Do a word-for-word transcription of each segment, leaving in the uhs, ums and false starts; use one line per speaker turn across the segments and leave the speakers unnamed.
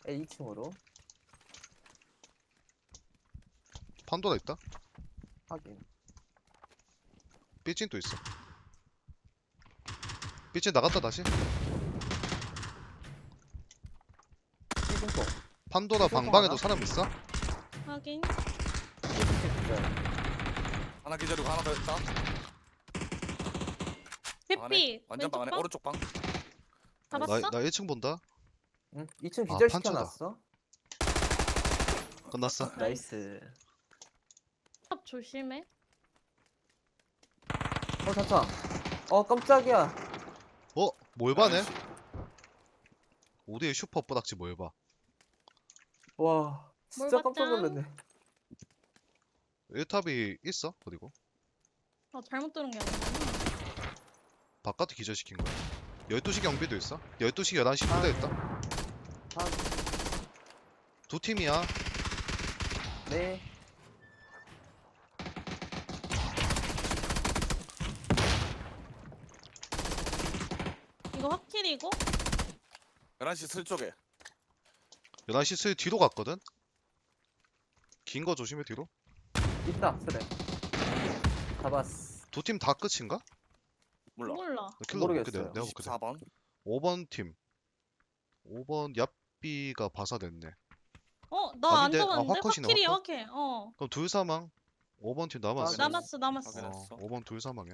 A 이 층으로.
판도라 있다.
확인.
삐찐 또 있어. 삐찐 나갔다 다시.
삐진폭.
판도라
삐찐
방방에도
하나?
사람 있어?
확인.
삐진 기절.
하나 기다리고 하나 더 있다. 방 안에?
햇빛.
완전
왼쪽
방 안에
방?
오른쪽 방.
잡았어?
나, 나 일 층 본다.
응? 이 층
아,
기절
판초다.
시켜놨어.
끝났어.
나이스.
탑 조심해.
어 잠깐. 어 깜짝이야.
어? 뭘 봐네? 오디의 슈퍼 뿌닥지 뭘 봐?
와 진짜
뭘
깜짝
봤짱?
놀랐네.
일 탑이 있어? 그리고
어 잘못 들은 게 아니구나.
바깥에 기절시킨 거야. 열두 시 경비도 있어. 열두 시 열한 시
아.
부대 있다.
아,
두 팀이야.
네.
이거 확킬이고.
열한 시 슬 쪽에.
열한 시 슬 뒤로 갔거든? 긴 거 조심해 뒤로.
있다 쓰레. 잡았어.
두 팀 다 끝인가?
몰라.
몰라.
나 킬러 볼게.
모르겠어요.
내가, 내가 볼게.
이십사 번.
오 번 팀. 오 번 얍비가 바사됐네.
어, 나 안
아닌데? 아,
잡았는데?
화컷이네,
확킬이야,
화컷?
확킬. 어.
그럼 둘 사망. 오 번 팀 남았어.
아,
남았어, 남았어.
확인. 알았어.
어, 오 번 둘 사망이야.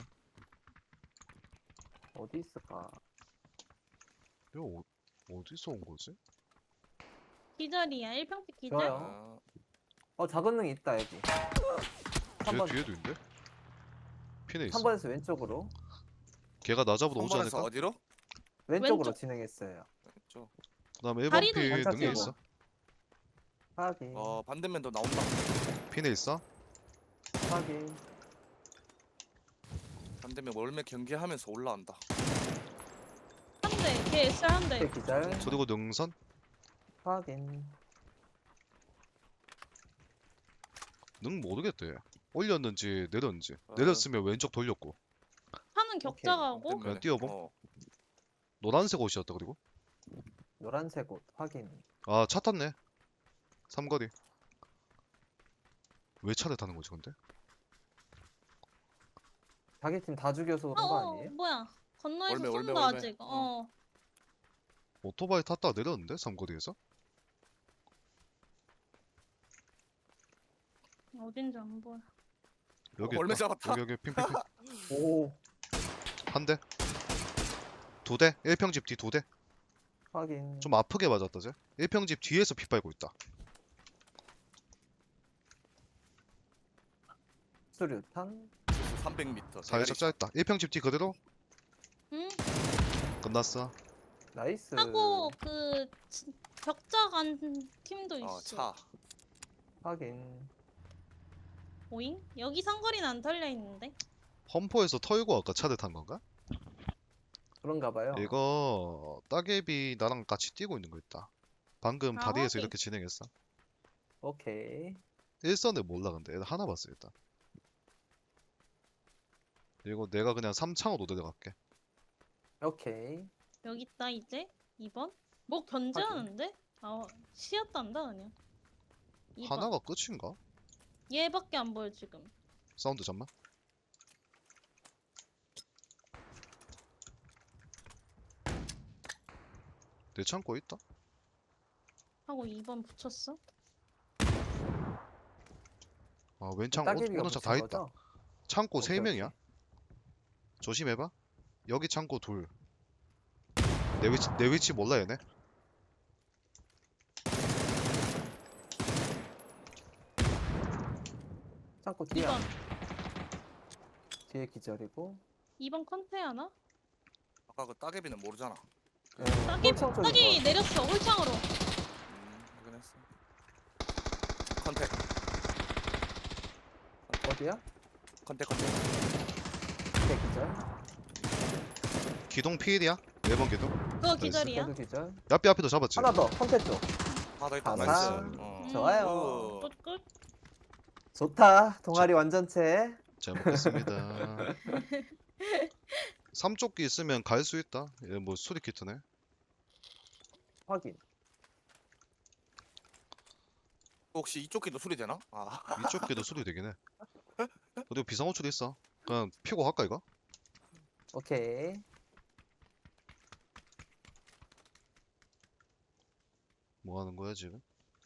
어디 있을까?
이거 어, 어디서 온 거지?
기절이야. 일 평택 기절.
좋아요.
아,
어 작은 능이 있다 여기.
뒤에,
삼 번.
뒤에도 있는데? 핀에 있어.
삼 번에서 왼쪽으로.
걔가 나 잡으러 오지
한 번에서
않을까?
어디로?
왼쪽으로
왼쪽.
진행했어요.
왼쪽.
그 다음에 일 번
다리도
핀
있어.
능에 있어.
확인.
어 반대면도 나온다.
핀에 있어.
확인.
반대면 월매 경기하면서 올라온다.
한 대. 걔 에스알 한 대.
네, 기절.
그리고 능선.
확인.
능 모르겠대. 올렸는지 내렸는지.
어.
내렸으면 왼쪽 돌렸고.
하는 격자가고.
반대면에.
그냥 뛰어봄?
어.
노란색 옷이었다 그리고.
노란색 옷 확인.
아 차 탔네. 삼거리. 왜 차를 타는 거지 근데?
자기 팀 다 죽여서
어,
그런 거
어,
아니에요?
뭐야. 건너에서
월매, 월매,
쏜다,
월매.
아직. 어.
오토바이 탔다가 내렸는데 삼거리에서?
어딘지 안 보여.
여기
얼마
있다.
잡았다.
여기 여기 핑핑핑.
오
한 대. 두 대. 일평집 뒤 두 대.
확인.
좀 아프게 맞았다 쟤. 일평집 뒤에서 피 빨고 있다.
수류탄.
삼백 미터.
살짝 짧다. 일평집 뒤 그대로
응?
끝났어.
나이스.
하고, 그, 지- 격자 간 팀도 있어.
어 차.
확인.
오잉? 여기 상거리는 안 털려 있는데?
험포에서 털고 아까 차를 탄 건가?
그런가 봐요.
이거 따개비 나랑 같이 뛰고 있는 거 있다. 방금
아,
다리에서
확인.
이렇게 진행했어.
오케이.
일선을 몰라 근데 애들 하나 봤어 일단. 이거 내가 그냥 삼창으로 내려갈게.
오케이.
여기 있다, 이제. 이 번? 뭐 견제하는데? 아, 시야딴다, 그냥. 이 번.
하나가 끝인가?
얘밖에 안 보여, 지금.
사운드 잠만. 내 창고에 있다.
하고 이 번 붙였어.
아 왼창
따개비가
오른쪽 다
붙인
있다.
거죠?
창고 세
오케이,
명이야.
오케이.
조심해봐. 여기 창고 둘. 내 위치 내 위치 몰라 얘네.
창고 뒤에
이 번.
뒤에 기절이고.
이 번 컨테 하나?
아까 그 따개비는 모르잖아.
네,
따기,
홀창 쪽인
따기
거.
내렸어, 홀창으로.
음 확인했어. 컨택.
어디야?
컨택 컨택.
뒤에 기절.
기동 피일이야. 네 번 기동.
그거 기절이야.
걔도 기절.
옆에 앞에도 잡았지.
하나 더. 컨테 쪽.
하나 더 있다.
하나.
나이스. 어.
음,
좋아요.
오.
끝, 끝.
좋다. 동아리 완전체.
잘 먹겠습니다. 삼조끼 있으면 갈 수 있다. 얘 뭐 수리 키트네.
확인.
혹시 이쪽 길도 수리되나? 아
이쪽 길도 수리 되긴 해. 그리고 비상호출이 있어. 그냥 피고 갈까 이거?
오케이.
뭐 하는 거야 지금?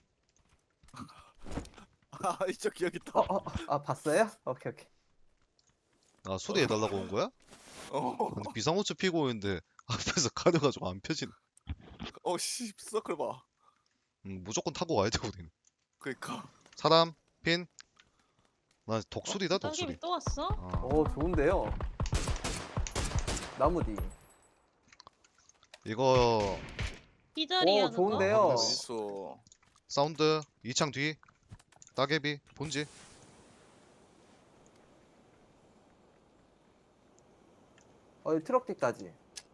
아, 이쪽 길 여기
어,
있다.
어, 아, 봤어요? 오케이, 오케이.
아 수리해달라고 온 거야?
어,
근데 비상호출 피고 있는데 앞에서 가려가지고 안 펴지네.
어, 씨, 서클 봐.
음, 무조건 타고 와야 돼 우리는.
그니까.
사람 핀. 나 독수리다 독수리.
따개비 또 왔어?
아,
오, 좋은데요. 나무 뒤.
이거
기절이야
오,
그거?
좋은데요.
어.
어딨어?
사운드 이창 뒤. 따개비 본지.
어, 트럭 뒤까지.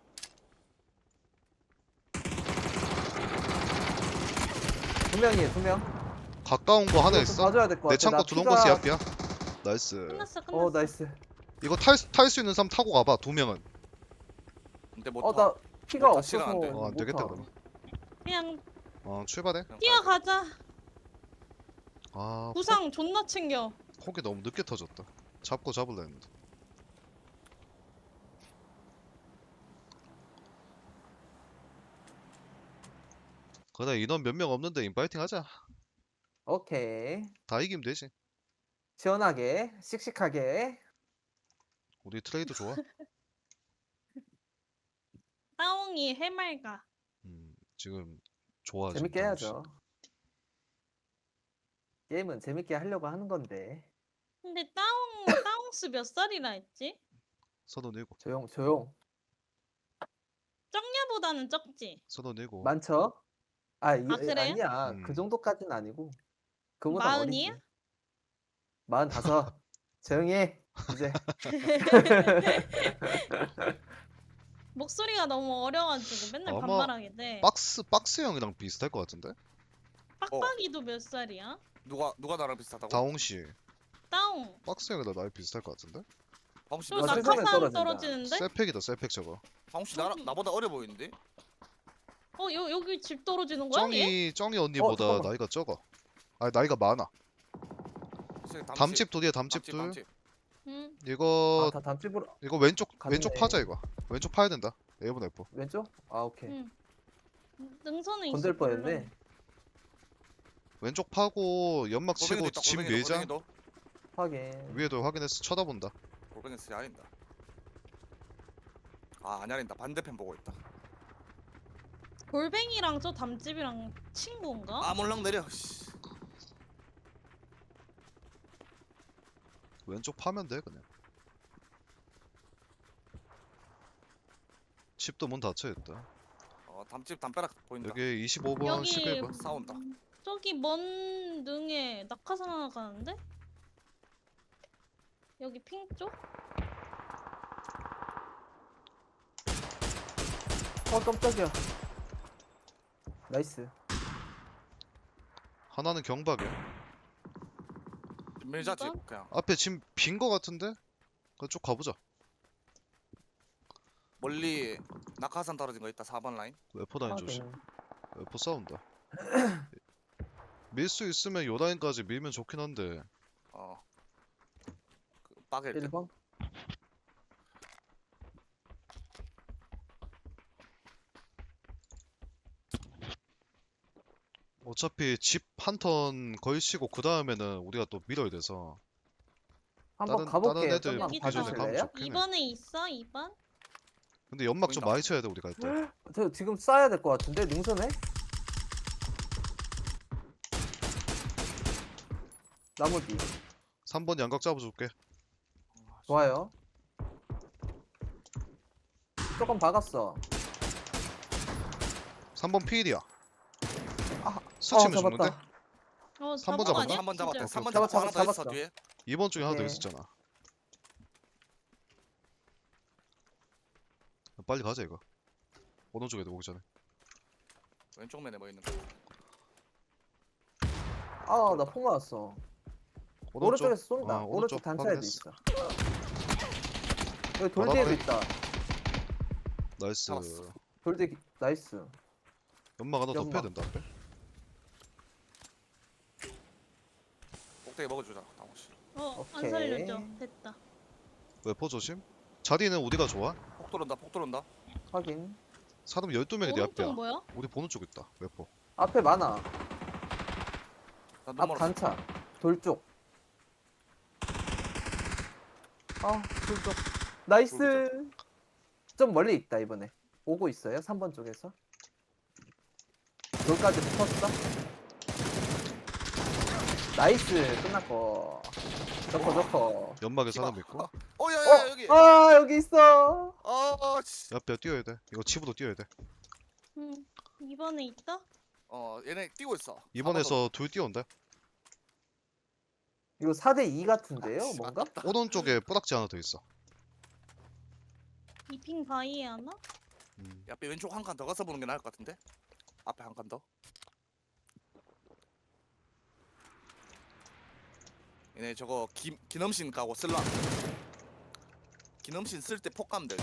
두 명이에요, 두 명.
가까운 거 하나
이거 좀
있어.
봐줘야 될 것 같아.
내 창고
나
들어온
피가-
거 시합이야. 나이스.
끝났어 끝났어.
어, 나이스.
이거 탈 탈 수 있는 사람 타고 가봐. 두 명은.
근데 못
어,
타.
나 피가
못 타,
없어서
시간 안 돼.
어, 안
못
되겠다
타.
그러면.
그냥
어 출발해.
그냥 가야 돼.
뛰어가자.
아
부상 존나 챙겨.
폭이 너무 늦게 터졌다. 잡고 잡을라 했는데. 그래 인원 몇 명 없는데 인파이팅 하자.
오케이.
다 이기면 되지.
시원하게, 씩씩하게.
우리 트레이드 좋아.
따옹이 해맑아.
음 지금 좋아. 지금
재밌게
당시.
해야죠. 게임은 재밌게 하려고 하는 건데.
근데 따옹 따옹스 몇 살이라 했지?
서른일곱.
조용, 조용.
쩡냐보다는 적지.
서른일곱.
많죠? 아, 이,
아, 그래요?
아니야.
음.
그 정도까지는 아니고. 그보다
마흔이야?
어리지. 마흔다섯. 조용히 해. 이제.
목소리가 너무 어려가지고 맨날
아마
반말하게 돼.
박스 박스형이랑 비슷할 것 같은데?
빡빡이도 몇 살이야?
누가 누가 나랑 비슷하다고?
다홍 씨.
따옹.
박스형이랑 나이 비슷할 것 같은데?
방씨
저
나
나랑
세상에
낙하산
떨어진다.
떨어지는데?
셀팩이다 셀팩 저거.
방씨 나랑 나보다 어려 보이는데?
어 여, 여기 집 떨어지는 거야? 얘?
쩡이 쩡이 언니보다
잠깐만.
나이가 적어. 아 나이가 많아.
저기 담집,
담집 둘이야 담집
담집,
둘.
담집.
응.
이거
아, 다 담집으로.
이거 왼쪽
갔네.
왼쪽 파자 이거. 왼쪽 파야 된다. 에이븐 F.
왼쪽? 아, 오케이.
응. 능선에 있어.
건들 뻔했네.
왼쪽 파고 연막 치고
골뱅이도 있다,
집
골뱅이도,
밀자.
골뱅이도.
확인.
위에도 확인해서 쳐다본다.
골뱅이 쓰지 아닌다. 아, 안 야린다. 반대편 보고 있다.
골뱅이랑 저 담집이랑 친구인가?
아, 몰랑 내려. 씨.
왼쪽 파면 돼 그냥. 집도 문 닫혀 있다.
어, 담집 담벼락 보인다.
여기 이십오 번,
여기
십일 번.
싸운다.
저기 먼 능에 낙하산 하나 가는데? 여기 핑 쪽?
어, 깜짝이야. 나이스.
하나는 경박이야.
밀자 집
이번?
그냥.
앞에 지금 빈 거 같은데? 그쪽 가보자.
멀리 낙하산 떨어진 거 있다. 사 번 라인.
웨포 라인 조심.
확인.
웨포 싸운다. 밀 수 있으면 요 라인까지 밀면 좋긴 한데.
어. 그 빠길 때.
일 번.
어차피 집 한 턴 걸치고 그 다음에는 우리가 또 밀어야 돼서.
한번
다른-
가볼게요.
다른 애들
좀만
여기
기존에
있어.
가면
봐주실래요?
좋긴 해.
이 번에 있어? 이 번?
근데 연막 좀
보인다.
많이 쳐야 돼 우리가 일단.
저 지금 쏴야 될 것 같은데 능선에? 나무 뒤.
삼 번 양각 잡아줄게.
좋아요. 조금 박았어.
삼 번 피일이야.
아,
스치면
어,
죽는데?
잡았다.
어
삼
잡은
번
거
잡았나?
아니야?
삼 번 잡았대.
진짜?
삼 번
잡았-
잡았고 하나 더
잡았어.
있어 뒤에.
이 번 중에 하나 더
네.
있었잖아. 빨리 가자 이거. 오른쪽에 오기 전에.
왼쪽 면에 뭐 있는 거.
아, 나 폭 맞았어.
오른쪽.
오른쪽에서 쏜다.
어,
오른쪽
오른쪽
단차에도
확인했어.
있어. 여기 돌
바닥에?
뒤에도 있다.
나이스.
잡았어.
돌 뒤, 나이스.
연막 하나 더
연막.
펴야 된다. 앞에.
꼭대기 먹어주자 당호씨.
어, 안
오케이.
살려줘. 됐다.
웨퍼 조심. 자리는 어디가 좋아?
폭 들어온다 폭 들어온다.
확인.
사람 열두 명이 내 앞이야.
오른쪽 뭐야?
우리 보는 쪽 있다. 웨퍼.
앞에 많아.
나눈
앞
멀었어.
단차. 돌 쪽. 아, 돌 쪽. 나이스. 좀 멀리 있다 이번에. 오고 있어요. 삼 번 쪽에서. 돌까지 붙었어. 나이스. 끝났고. 좋고 좋고.
연막에
씨발.
사람 있고.
어야야 여기.
어, 아 여기 있어.
아 씨.
옆에 뛰어야 돼. 이거 집으로 뛰어야 돼.
응. 이번에 있다?
어 얘네 뛰고 있어.
이번에서 둘 뛰어온다.
이거 사 대 이 같은데요?
아, 씨,
뭔가?
아깝다.
오른쪽에 뿌락지 하나 더 있어.
이핑 바위에 하나?
음.
야, 앞에 왼쪽 한 칸 더 가서 보는 게 나을 것 같은데? 앞에 한 칸 더. 얘네 저거 기, 기넘신 까고 쓸라. 기넘신 쓸 때 폭 가면 돼.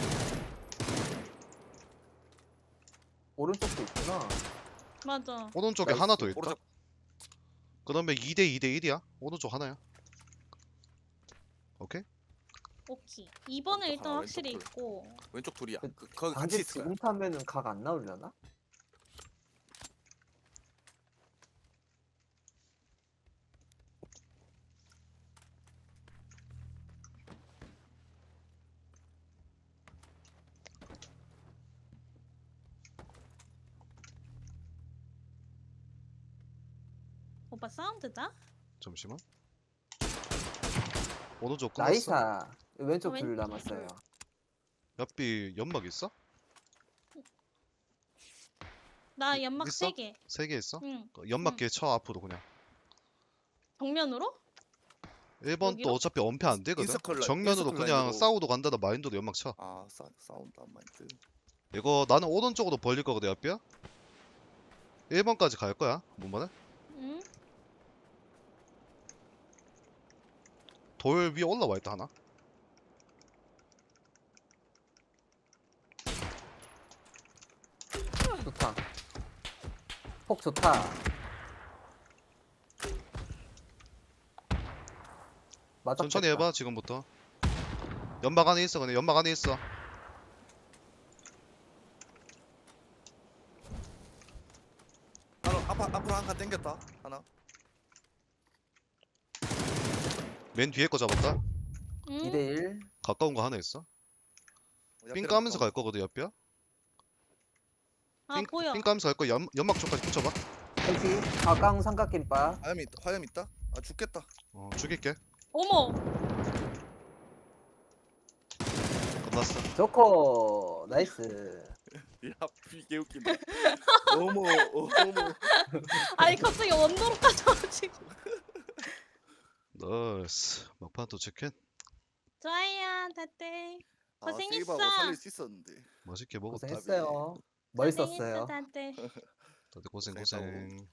오른쪽도 있구나.
맞아.
오른쪽에
나이스.
하나 더 있다.
오른쪽
그러면 이 대 이 대 일이야. 오른쪽 하나야. 오케이?
오케이. 이번에
왼쪽
일단
하나,
확실히
왼쪽
있고.
왼쪽 둘이야.
그-
그, 거기 같이
방금
있을 거야.
지금 타면은 각 안 나오려나?
오빠 사운드다?
잠시만. 오른쪽 끝났어.
나이사. 왼쪽
어,
둘
왼쪽
남았어요.
옆이 연막 있어?
나
이-
연막
있어?
세 개.
세 개 있어?
응.
그 연막기에 쳐 앞으로 그냥.
정면으로?
일 번
여기로?
또 어차피 엄폐 안 되거든.
인서클 라인-
정면으로
인서클
그냥
라인으로.
싸우도 간다는 마인드로 연막 쳐.
아, 사, 사운드 한 마인드.
이거 나는 오른쪽으로 벌릴 거거든 옆이야. 일 번까지 갈 거야. 뭔
응.
돌 위에 올라와 있다 하나.
좋다. 폭 좋다. 맞아.
천천히 해봐 지금부터. 연막 안에 있어 그냥 연막 안에 있어.
하나 앞, 앞으로 한 칸 당겼다. 하나.
맨 뒤에 거 잡았다.
응.
이 대 일.
가까운 거 하나 있어. 삥
옆에랑
까면서 갈
가까워.
거거든 옆이야.
아
삥,
보여.
삥 까면서 갈 거 연, 연막 쪽까지 붙여봐.
헬기. 가까운 삼각김밥.
화염 있다. 화염 있다. 아 죽겠다.
어 죽일게.
어머.
끝났어.
좋고. 나이스.
야, 이게 웃긴다. 어머, 어머.
아니 갑자기 원도로까지 와가지고.
나이스. 막판 또 치킨.
좋아요 다들.
아,
고생했어.
세이브하고 살릴 수 있었는데.
맛있게 먹었다.
고생했어요. 멋있었어요.
고생했어 다들.
다들 고생
고생했다고.
고생.